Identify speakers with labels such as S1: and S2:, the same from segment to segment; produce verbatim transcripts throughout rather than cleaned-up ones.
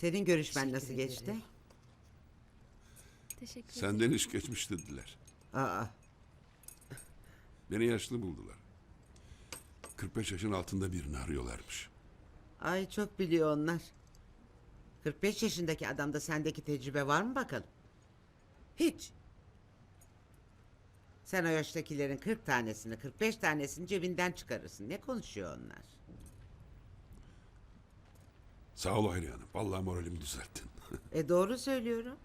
S1: Senin görüşmen
S2: Teşekkür
S1: nasıl geçti?
S2: ederim.
S3: Teşekkür ederim.
S4: Senden iş geçmiş dediler.
S1: Aa,
S4: Beni yaşlı buldular. kırk beş yaşın altında birini arıyorlarmış.
S1: ay çok biliyor onlar. kırk beş yaşındaki adamda sendeki tecrübe var mı bakalım? Hiç. Sen o yaştakilerin kırk tanesini, kırk beş tanesini cebinden çıkarırsın. Ne konuşuyor onlar?
S4: Sağ ol Hayriye Hanım. Vallahi moralimi düzelttin.
S1: E doğru söylüyorum.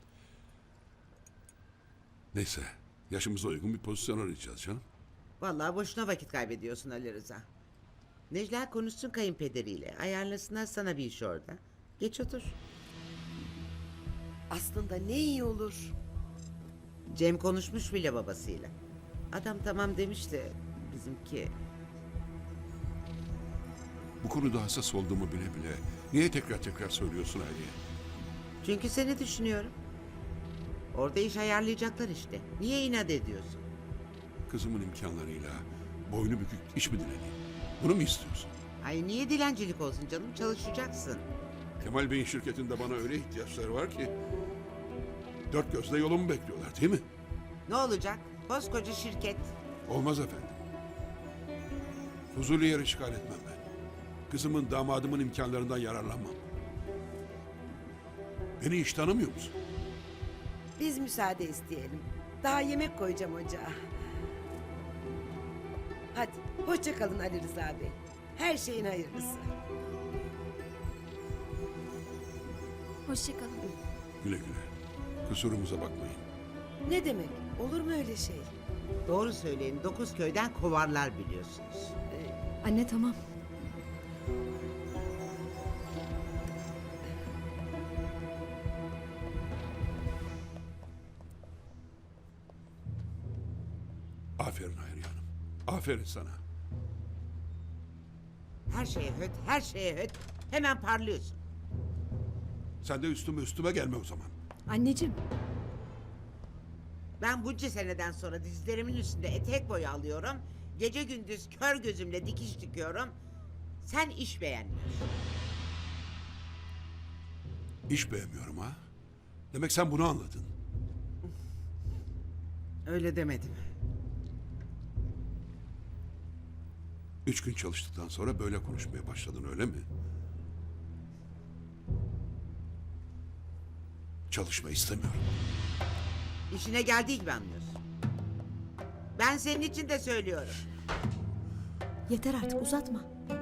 S4: Neyse. Yaşımıza uygun bir pozisyon arayacağız canım.
S1: Vallahi boşuna vakit kaybediyorsun Ali Rıza. Necla konuşsun kayınpederiyle. Ayarlasınlar sana bir iş orada. Geç otur.
S2: Aslında ne iyi olur.
S1: Cem konuşmuş bile babasıyla. Adam tamam demiş de bizimki...
S4: Bu konuda hassas olduğumu bile bile niye tekrar tekrar söylüyorsun Hayriye?
S1: Çünkü seni düşünüyorum. Orada iş ayarlayacaklar işte. Niye inat ediyorsun?
S4: Kızımın imkanlarıyla boynu bükük iş mi dileneyim? Bunu mu istiyorsun?
S1: Ay niye dilencilik olsun canım? Çalışacaksın.
S4: Kemal Bey'in şirketinde bana öyle ihtiyaçları var ki... Dört gözle yolumu bekliyorlar değil mi?
S1: Ne olacak? Koskoca şirket.
S4: Olmaz efendim. Huzurlu yer işgal etmem ben. Kızımın, damadımın imkanlarından yararlanmam. Beni hiç tanımıyor musun?
S2: Biz müsaade isteyelim. Daha yemek koyacağım ocağa. Hadi hoşça kalın Ali Rıza Bey. Her şeyin hayırlısı.
S3: Hoşçakalın.
S4: Güle güle. Kusurumuza bakmayın.
S2: Ne demek? Olur mu öyle şey?
S1: Doğru söyleyin. Dokuz köyden kovarlar biliyorsunuz.
S3: Anne tamam.
S4: Aferin Hayriye Hanım. Aferin sana.
S1: Her şeye höt, her şeye höt. Hemen parlıyorsun.
S4: Sen de üstüme üstüme gelme o zaman.
S3: Anneciğim.
S1: Ben bunca seneden sonra dizlerimin üstünde etek boyu alıyorum. Gece gündüz kör gözümle dikiş dikiyorum. Sen iş beğenmiyorsun.
S4: İş beğenmiyorum ha. Demek sen bunu anladın.
S1: Öyle demedim.
S4: Üç gün çalıştıktan sonra böyle konuşmaya başladın öyle mi? Çalışma istemiyorum.
S1: İşine geldiği gibi anlıyorsun. Ben senin için de söylüyorum.
S3: Yeter artık uzatma.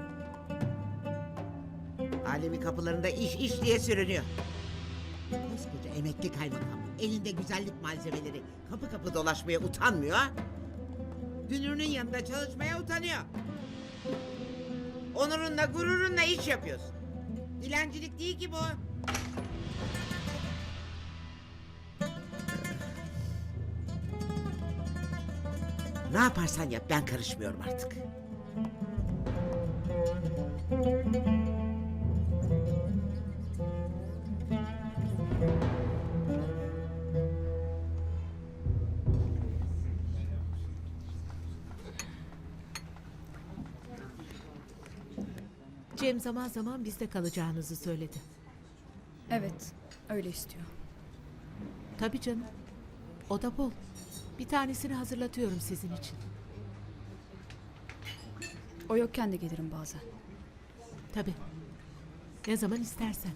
S1: Alemi kapılarında iş iş diye sürünüyor. Koskoca emekli kaymakam. Elinde güzellik malzemeleri. Kapı kapı dolaşmaya utanmıyor. Ha? Dünürünün yanında çalışmaya utanıyor. Onurunla gururunla iş yapıyorsun. Dilencilik değil ki bu. Ne yaparsan yap ben karışmıyorum artık.
S5: Cem zaman zaman bizde kalacağınızı söyledi.
S6: Evet, öyle istiyor.
S5: Tabii canım. O da bol. Bir tanesini hazırlatıyorum sizin için.
S6: O yokken de gelirim bazen.
S5: Tabii. Ne zaman istersen.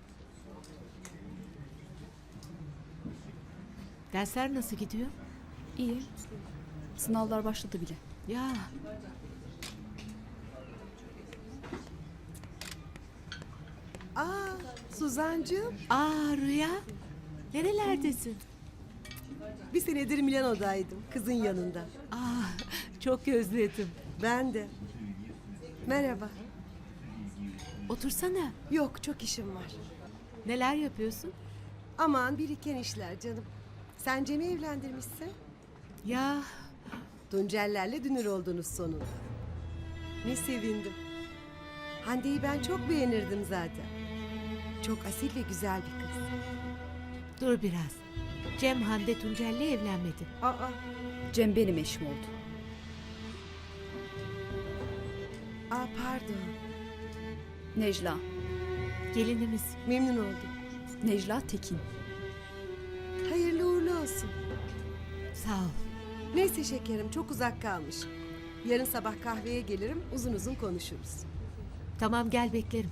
S5: Dersler nasıl gidiyor?
S6: İyi. Sınavlar başladı bile.
S5: Ya
S2: Aa, Suzancığım.
S5: aa Rüya. Nerelerdesin?
S2: Bir senedir Milano'daydım. Kızın yanında.
S5: Aa çok özledim.
S2: Ben de. Merhaba.
S5: Otursana.
S2: Yok, çok işim var.
S5: Neler yapıyorsun?
S2: Aman biriken işler canım. Sen Cem'i evlendirmişsin.
S5: Ya
S2: Tuncellerle dünür oldunuz sonunda. Ne sevindim. Hande'yi ben çok beğenirdim zaten. Çok asil ve güzel bir kız.
S5: dur biraz. Cem Hande Tuncel'le evlenmedi.
S2: Aa,
S6: Cem benim eşim oldu.
S2: aa pardon.
S6: Necla.
S5: Gelinimiz.
S2: Memnun oldum.
S6: Necla Tekin.
S2: Hayırlı uğurlu olsun.
S5: Sağ ol.
S2: Neyse şekerim, çok uzak kalmış. Yarın sabah kahveye gelirim, uzun uzun konuşuruz.
S5: Tamam, gel beklerim.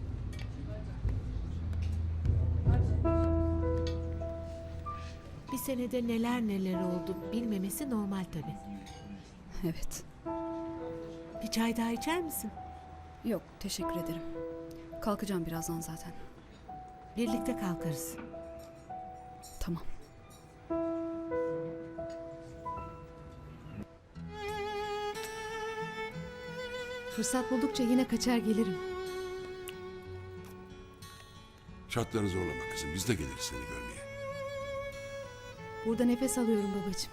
S5: Bir senede neler neler oldu bilmemesi normal tabii.
S6: Evet.
S5: Bir çay daha içer misin?
S6: Yok, teşekkür ederim. Kalkacağım birazdan zaten.
S5: Birlikte kalkarız.
S6: Tamam.
S3: Fırsat buldukça yine kaçar gelirim.
S4: Şartları zorlama kızım. Biz de geliriz seni görmeye.
S3: Burada nefes alıyorum babacığım.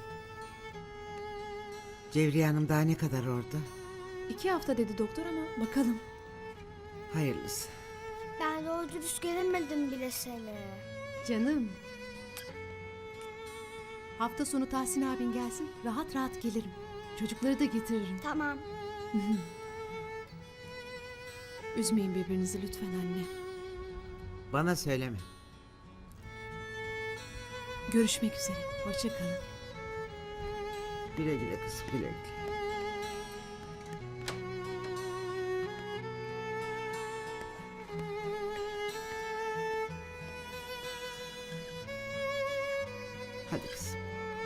S1: Cevriye Hanım daha ne kadar orada?
S3: İki hafta dedi doktor ama bakalım.
S1: Hayırlısı.
S7: Ben doğru dürüst göremedim bile seni.
S3: Canım. Hafta sonu Tahsin abin gelsin. Rahat rahat gelirim. Çocukları da getiririm.
S7: Tamam.
S3: Üzmeyin birbirinizi lütfen anne.
S1: Bana söyleme.
S3: Görüşmek üzere. Hoşça kalın.
S1: Güle güle kızım, güle güle. Hadi kızım.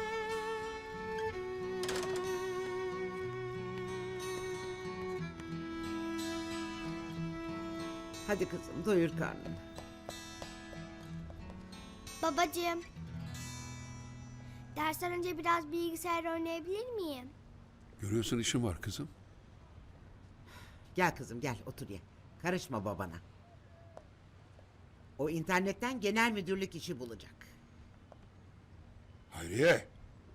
S1: Hadi kızım, doyur karnını.
S7: Babacığım. Dersten önce biraz bilgisayar oynayabilir miyim?
S4: Görüyorsun işim var kızım.
S1: Gel kızım, gel otur ye. Karışma babana. O internetten genel müdürlük işi bulacak.
S4: Hayriye.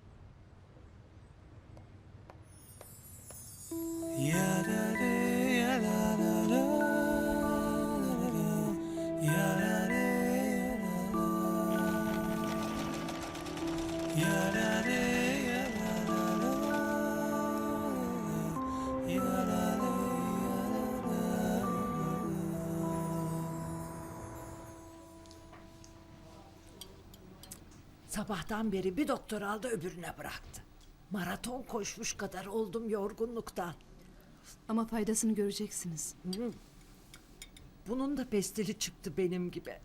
S8: Sabahtan beri bir doktor aldı öbürüne bıraktı. Maraton koşmuş kadar oldum yorgunluktan.
S3: Ama faydasını göreceksiniz.
S8: Bunun da pestili çıktı benim gibi.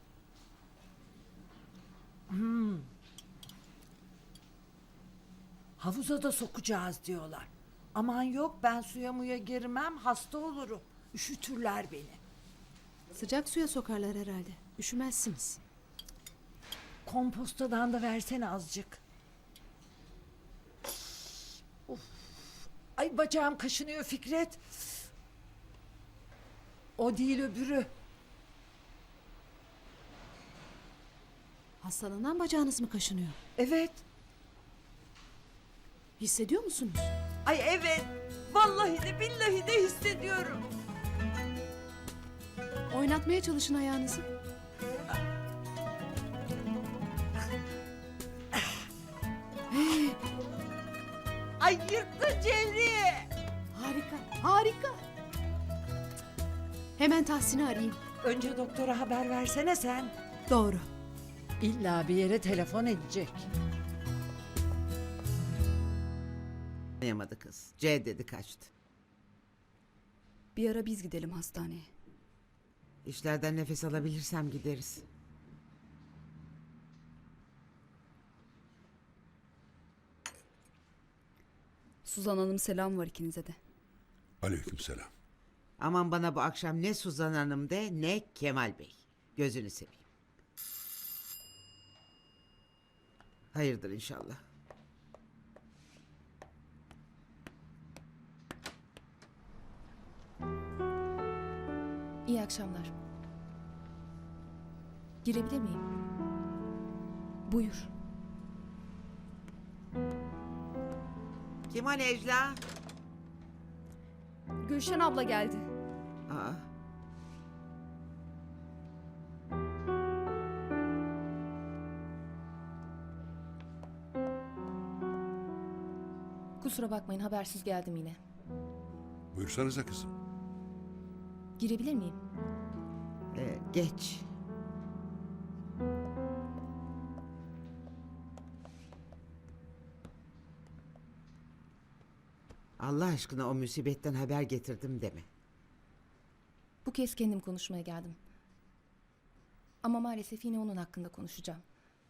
S8: Hmm. Havuza da sokacağız diyorlar. Aman yok, ben suya muya girmem, hasta olurum. Üşütürler beni.
S3: Sıcak suya sokarlar herhalde. Üşümezsiniz.
S8: Kompostadan da versene azıcık. Of. Ay bacağım kaşınıyor Fikret. O değil öbürü.
S3: Hastalanan bacağınız mı kaşınıyor?
S8: Evet.
S3: Hissediyor musunuz?
S8: Ay evet. Vallahi de billahi de hissediyorum.
S3: Oynatmaya çalışın ayağınızı.
S8: Ay yırttı Cevriye.
S3: Harika, harika. Hemen Tahsin'i arayayım.
S8: Önce doktora haber versene sen.
S3: Doğru.
S8: İlla bir yere telefon edecek.
S1: Anlayamadı kız. C dedi, kaçtı.
S6: Bir ara biz gidelim hastaneye.
S1: İşlerden nefes alabilirsem gideriz.
S6: Suzan Hanım selam var ikinize de.
S4: Aleykümselam.
S1: Aman bana bu akşam ne Suzan Hanım de ne Kemal Bey. Gözünü seveyim. Hayırdır inşallah.
S3: İyi akşamlar. Girebilir miyim?
S6: Buyur.
S1: Kim o Necla?
S6: Gülşen abla geldi.
S1: Aa,
S3: Kusura bakmayın, habersiz geldim yine.
S4: Buyursanıza kızım.
S3: Girebilir miyim?
S1: e, Geç. Allah aşkına o musibetten haber getirdim deme.
S9: Bu kez kendim konuşmaya geldim. Ama maalesef yine onun hakkında konuşacağım.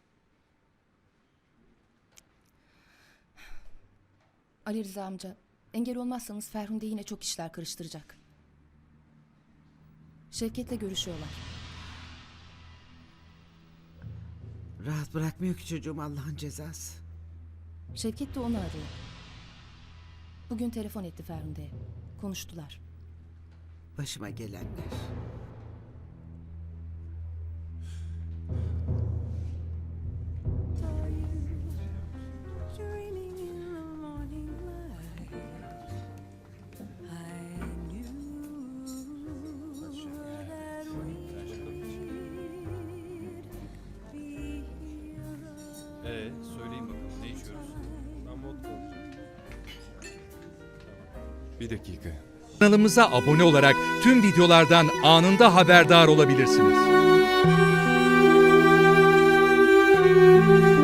S9: Ali Rıza amca, engel olmazsanız Ferhunde yine çok işler karıştıracak. Şevket'le görüşüyorlar.
S1: Rahat bırakmıyor ki çocuğum, Allah'ın cezası.
S9: Şevket de onu arıyor. Bugün telefon etti Ferhunde'ye. Konuştular.
S1: Başıma gelenler.
S10: Ee, söyleyin bakalım ne içiyoruz? Bir dakika.
S11: Kanalımıza abone olarak tüm videolardan anında haberdar olabilirsiniz.